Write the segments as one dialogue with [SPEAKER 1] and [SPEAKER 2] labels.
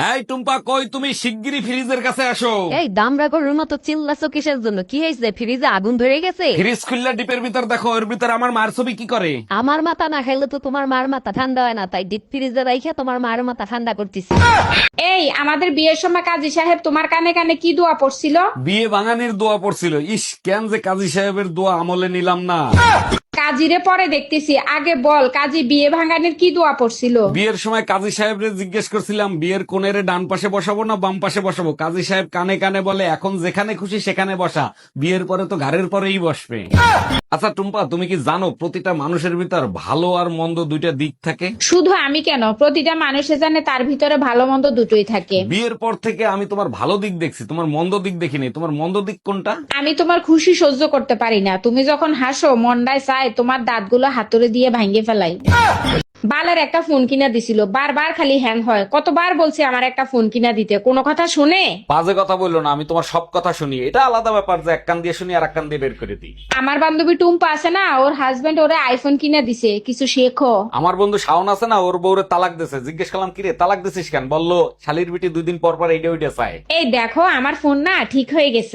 [SPEAKER 1] এই টুম্পা, কই তুমি? শিগগিরই ফ্রিজের কাছে আসো।
[SPEAKER 2] এই দামরা গরুর মতো চিল্লাছো কিসের জন্য? কি হয়েছে? ফ্রিজে আগুন ধরে গেছে?
[SPEAKER 1] ফ্রিজ খুললা ডিপের ভিতর দেখো, ওর ভিতর আমার মার ছবি কি করে।
[SPEAKER 2] আমার মাথা না খাইলে তো তোমার মার মাথা ঠান্ডা হয় না, তাই ডিপ ফ্রিজে রাইখা তোমার মার মাথা ঠান্ডা করতেছি।
[SPEAKER 3] এই আমাদের বিয়ের সময় কাজী সাহেব তোমার কানে কানে কি দোয়া পড়ছিল?
[SPEAKER 1] বিয়ে ভাঙানির দোয়া পড়ছিল। ইস, কেন যে কাজী সাহেবের দোয়া আমলে নিলাম না।
[SPEAKER 3] কাজীরে পরে দেখতেছি, আগে বল কাজী বিয়ে ভাঙানির কি দোয়া পড়ছিল?
[SPEAKER 1] বিয়ের সময় কাজী সাহেবরে জিজ্ঞেস করছিলাম, বিয়ের কোণের ডান পাশে বসাবো না বাম পাশে বসাবো। কাজী সাহেব কানে কানে বলে, এখন যেখানে খুশি সেখানে বসা, বিয়ের পরে তো ঘাড়ের পরেই বসবে। আচ্ছা টুম্পা, তুমি কি জানো প্রতিটা মানুষের ভিতর ভালো আর মন্দ দুইটা দিক থাকে?
[SPEAKER 3] শুধু আমি কেন, প্রতিটা মানুষে জানে তার ভিতরে ভালো মন্দ দুটোই থাকে।
[SPEAKER 1] বিয়ের পর থেকে আমি তোমার ভালো দিক দেখছি, তোমার মন্দ দিক দেখিনি। তোমার মন্দ দিক কোনটা?
[SPEAKER 3] আমি তোমার খুশি সহ্য করতে পারি না। তুমি যখন হাসো মন্ডায় চায় তোমার দাঁতগুলো হাতুড়ে দিয়ে ভাঙ্গে ফেলাই। বালের একটা ফোন কিনা দিছিল, বারবার খালি হ্যাং হয়। কতবার বলছি আমার একটা ফোন কিনা দিতে, কোনো কথা শুনে?
[SPEAKER 1] বাজে কথা বললো না, আমি তোমার সব কথা শুনি। এটা আলাদা ব্যাপার যে এক কান দিয়ে শুনি আর এক কান দিয়ে বের করে দিই।
[SPEAKER 3] আমার বান্ধবী টুম্পা আছে না, ওর হাজবেন্ড ওরে আইফোন কিনা দিছে, কিছু শেখো।
[SPEAKER 1] আমার বন্ধু শাওন আছে না, ওর বউরে তালাক দিছে। জিজ্ঞেস করলাম, কিরে তালাক দিছিস কেন? বললো শালির বিটি 2 দিন পর পর এইটা ওইটা চায়।
[SPEAKER 3] এই দেখো আমার ফোন না ঠিক হয়ে গেছে।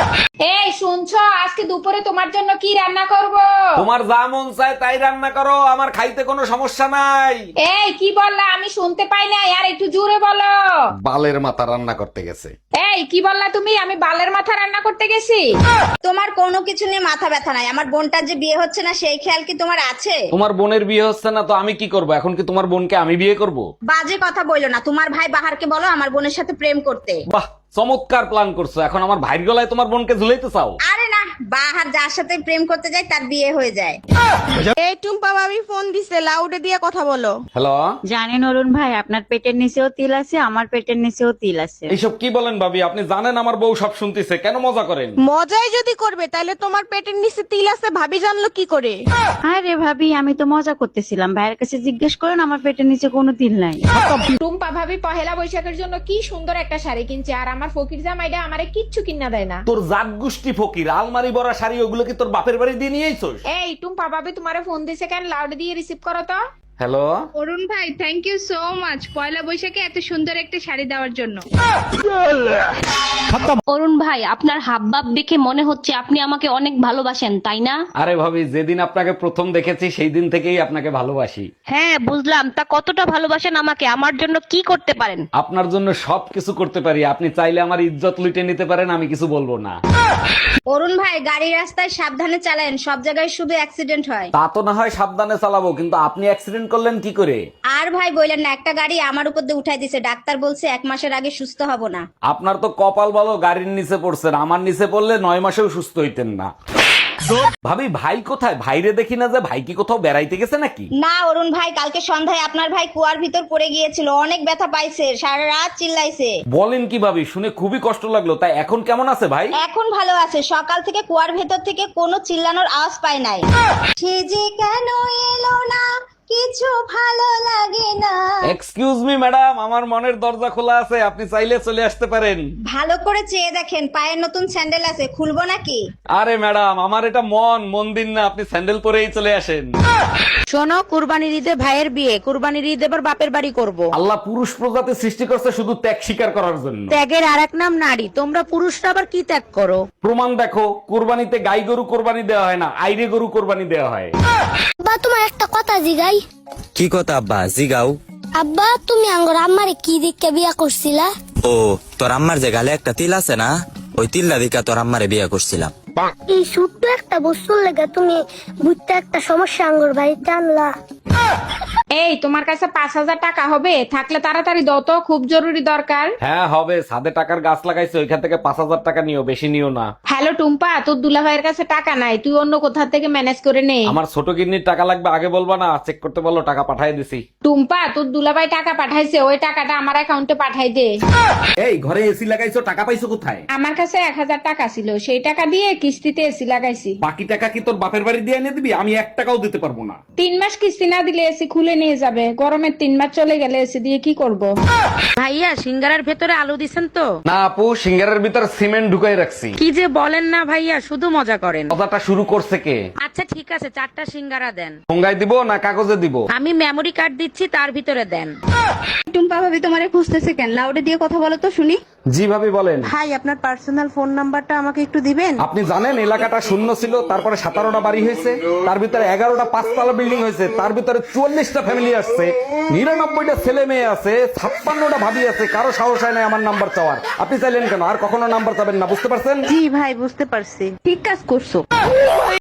[SPEAKER 3] এই শুনছো, আজকে দুপুরে তোমার জন্য কি রান্না করব?
[SPEAKER 1] তোমার যা মন চায় তাই রান্না করো, আমার খাইতে কোনো সমস্যা নাই।
[SPEAKER 3] এই কি বললা? আমি শুনতে পাই নাই, আর একটু জোরে বলো।
[SPEAKER 1] বালের মাথা রান্না করতে গেছে।
[SPEAKER 3] এই কি বললা তুমি? আমি বালের মাথা রান্না করতে গেছি?
[SPEAKER 4] তোমার কোনো কিছু নিয়ে মাথা ব্যথা নাই। আমার বোনটার যে বিয়ে হচ্ছে না সেই খেয়াল কি তোমার আছে?
[SPEAKER 1] তোমার বোনের বিয়ে হচ্ছে না তো আমি কি করব? এখন কি তোমার বোনকে আমি বিয়ে করব?
[SPEAKER 4] বাজে কথা বইলো না। তোমার ভাই বাহারকে বলো আমার বোনের সাথে প্রেম করতে।
[SPEAKER 1] বাহ, চমৎকার প্ল্যান করছো। এখন আমার ভাইয়ের গলায় তোমার বোনকে ঝুলাইতে চাও?
[SPEAKER 4] আরে না, বাহার যার সাথে প্রেম করতে যায় তার বিয়ে হয়ে যায়।
[SPEAKER 5] এই টুম্পা ভাবি ফোন দিছে, লাউডে দিয়ে কথা বলো।
[SPEAKER 1] হ্যালো,
[SPEAKER 6] জানেন অরুণ ভাই, আপনার পেটের নিচেও তিল আছে, আমার পেটের নিচেও তিল আছে।
[SPEAKER 1] এইসব কি বলেন ভাবি? আপনি জানেন আমার বউ সব শুনতেছে, কেন মজা করেন?
[SPEAKER 5] মজাই যদি করবে তাহলে তোমার পেটের নিচে তিল আছে ভাবি জানলো কি করে?
[SPEAKER 6] আরে ভাবি, আমি তো মজা করতেছিলাম। ভাইয়ের কাছে জিজ্ঞেস করেন, আমার পেটের নিচে কোনো তিল নাই।
[SPEAKER 3] টুম্পা ভাবি পহেলা বৈশাখের জন্য কি সুন্দর একটা শাড়ি কিনছে, আর আমার ফকির জামাইটা আমারে কিচ্ছু কিনা দেয় না।
[SPEAKER 1] তোর জাত গোষ্ঠী ফকির, আলমারি ভরা শাড়ি ওগুলো কি তোর বাপের বাড়ি দিয়ে নিয়ে আইছস?
[SPEAKER 3] এই টুম্পা ভাবি তোমারে ফোন দিছে কেন? লাউড দিয়ে রিসিভ করো তো।
[SPEAKER 1] হ্যালো,
[SPEAKER 7] অরুণ ভাই, থ্যাংক ইউ সো মাচ পয়লা বৈশাখে এত সুন্দর একটা শাড়ি দেওয়ার জন্য।
[SPEAKER 8] অরুণ ভাই, আপনার হাবভাব দেখে মনে হচ্ছে আপনি আমাকে অনেক ভালোবাসেন, তাই না?
[SPEAKER 1] আরে ভাবি, যেদিন আপনাকে প্রথম দেখেছি সেই দিন থেকেই আপনাকে ভালোবাসি।
[SPEAKER 8] হ্যাঁ বুঝলাম, তা কতটা ভালোবাসেন আমাকে? আমার জন্য কি করতে পারেন?
[SPEAKER 1] আপনার জন্য সবকিছু করতে পারি। আপনি চাইলে আমার ইজ্জত লুটে নিতে পারেন, আমি কিছু বলবো না।
[SPEAKER 4] অরুণ ভাই, গাড়ি রাস্তায় সাবধানে চালান, সব জায়গায় শুধু অ্যাক্সিডেন্ট হয়।
[SPEAKER 1] তা তো না হয় সাবধানে চালাবো, কিন্তু আপনি অ্যাক্সিডেন্ট করলেন কি করে?
[SPEAKER 4] আর ভাই বললেন না, একটা গাড়ি আমার উপর দিয়ে উঠাই দিছে, ডাক্তার বলছে 1 মাসের আগে সুস্থ হব না।
[SPEAKER 1] আপনার তো কপাল ভালো, গাড়ির নিচে পড়ছেন। আমার নিচে পড়লে 9 মাসেও সুস্থ হইতেন না। ভাবি, ভাই কোথায়? ভাইরে দেখি না যে। ভাই কি কোথাও বেড়াইতে গেছে নাকি?
[SPEAKER 4] না অরুণ ভাই, কালকে সন্ধ্যায় আপনার ভাই কুয়ার ভিতর পড়ে গিয়েছিল, অনেক ব্যথা পাইছে, সারা রাত চিল্লাইছে।
[SPEAKER 1] বলেন কি ভাবি? শুনে খুবই কষ্ট লাগলো। তাই এখন কেমন আছে ভাই?
[SPEAKER 4] এখন ভালো আছে, সকাল থেকে কুয়ার ভেতর থেকে কোনো চিল্লানোর আওয়াজ পাই নাই। সে যে কেন এলো না, কিছু ভালো লাগে না।
[SPEAKER 1] এক্সকিউজ মি ম্যাডাম, আমার মনের দরজা খোলা আছে, আপনি চাইলে চলে আসতে পারেন।
[SPEAKER 4] ভালো করে চেয়ে দেখেন, পায়ের নতুন স্যান্ডেল আছে, খুলবো নাকি?
[SPEAKER 1] আরে ম্যাডাম, আমার এটা মন্দির না, আপনি স্যান্ডেল পরেই চলে আসেন।
[SPEAKER 2] শোনো, কুরবানির ঈদে ভাইয়ের বিয়ে, কুরবানির ঈদ এবার বাপের বাড়ি করব।
[SPEAKER 1] আল্লাহ পুরুষ প্রজাতি সৃষ্টি করছে শুধু ত্যাগ স্বীকার করার জন্য।
[SPEAKER 2] ত্যাগের আরেক নাম নারী। তোমরা পুরুষরা আবার কি ত্যাগ করো?
[SPEAKER 1] প্রমাণ দেখো, কুরবানিতে গাই গরু কোরবানি দেওয়া হয় না, আইরে গরু কোরবানি দেওয়া হয়।
[SPEAKER 9] আব্বা, তোমার একটা কথা জিগাই।
[SPEAKER 10] কি কথা আব্বা? জিগাও।
[SPEAKER 9] আব্বা, তুমি আঙ্গর আম্মারে কি দিকে বিয়া করছিলা?
[SPEAKER 10] ও, তোর আম্মার যে গালে একটা তিল আছে না, ওই তিল্লা দিকা তোর আম্মারে বিয়ে করছিলাম।
[SPEAKER 9] এই ছোট্ট একটা বস্তুর লেগে তুমি বুঝতে একটা সমস্যা আঙ্গর বাড়িতে আনলা।
[SPEAKER 3] এই তোমার কাছে 5,000 টাকা হবে? থাকলে তাড়াতাড়ি দাও তো, খুব জরুরি দরকার।
[SPEAKER 1] হ্যাঁ হবে, ছাদে টাকার গাছ লাগাইছে, ওইখান থেকে 5,000 টাকা নিও, বেশি নিও না।
[SPEAKER 3] হ্যালো টুম্পা, তোর দুলাভাইয়ের কাছে টাকা নাই, তুই অন্য কোথা থেকে ম্যানেজ করে নে।
[SPEAKER 1] আমার ছোট কিডনির টাকা লাগবে, আগে বলবা না? চেক করতে বলো, টাকা পাঠিয়ে দিছি।
[SPEAKER 3] টুম্পা, তোর দুলাভাই টাকা পাঠাইছে, ওই টাকাটা আমার অ্যাকাউন্টে পাঠাই দে।
[SPEAKER 1] এই ঘরে এসি লাগাইছো, টাকা পাইছো কোথায়?
[SPEAKER 3] আমার কাছে 1,000 টাকা ছিল, সেই টাকা দিয়ে কিস্তিতে এসি লাগাইছি।
[SPEAKER 1] বাকি টাকা কি তোর বাপের বাড়ি দিয়ে এনে দিবি? আমি 1 টাকাও দিতে পারবো না।
[SPEAKER 3] 3 মাস কিস্তি না দিলে এসি খুলে নিয়ে যাবে। গরমের 3 মাস চলে গেলে এসি দিয়ে কি করব?
[SPEAKER 2] ভাইয়া, সিঙ্গারার ভেতরে আলু দিছেন তো?
[SPEAKER 1] না আপু, সিঙ্গারের ভিতর সিমেন্ট ঢুকাই রাখছি।
[SPEAKER 2] কি যে বলেন
[SPEAKER 3] না ভাইয়া, শুধু মজা করেন।
[SPEAKER 1] কথাটা শুরু করছে কে?
[SPEAKER 3] আচ্ছা ঠিক আছে, 4টা সিঙ্গারা দেন।
[SPEAKER 1] ঠোঙ্গায় দিব না কাগজে দিব?
[SPEAKER 3] আমি মেমরি কার্ড দিচ্ছি, তার ভিতরে দেন।
[SPEAKER 5] টুম্পা ভাবি তোমারে খুঁজতেছে কেন? লাউডে দিয়ে কথা বলো তো শুনি।
[SPEAKER 1] জি ভাবি বলেন।
[SPEAKER 5] ভাই আপনার পার্সোনাল ফোন নাম্বারটা আমাকে একটু দিবেন?
[SPEAKER 1] আপনি জানেন এলাকাটা শূন্য ছিল, তারপরে 17টা বাড়ি হয়েছে, তার ভিতরে 11টা 5তলা বিল্ডিং হয়েছে, তার ভিতরে 44টা ফ্যামিলি আসছে, 99টা ছেলে মেয়ে আছে, 56টা ভাবি আছে, কারো সাহস হয় না আমার নাম্বার চাওয়ার। আপনি চাইলেন কেন? আর কখনো নাম্বার চাবেন না, বুঝতে পারছেন?
[SPEAKER 5] জি ভাই বুঝতে পারছি, ঠিক কাজ করছো।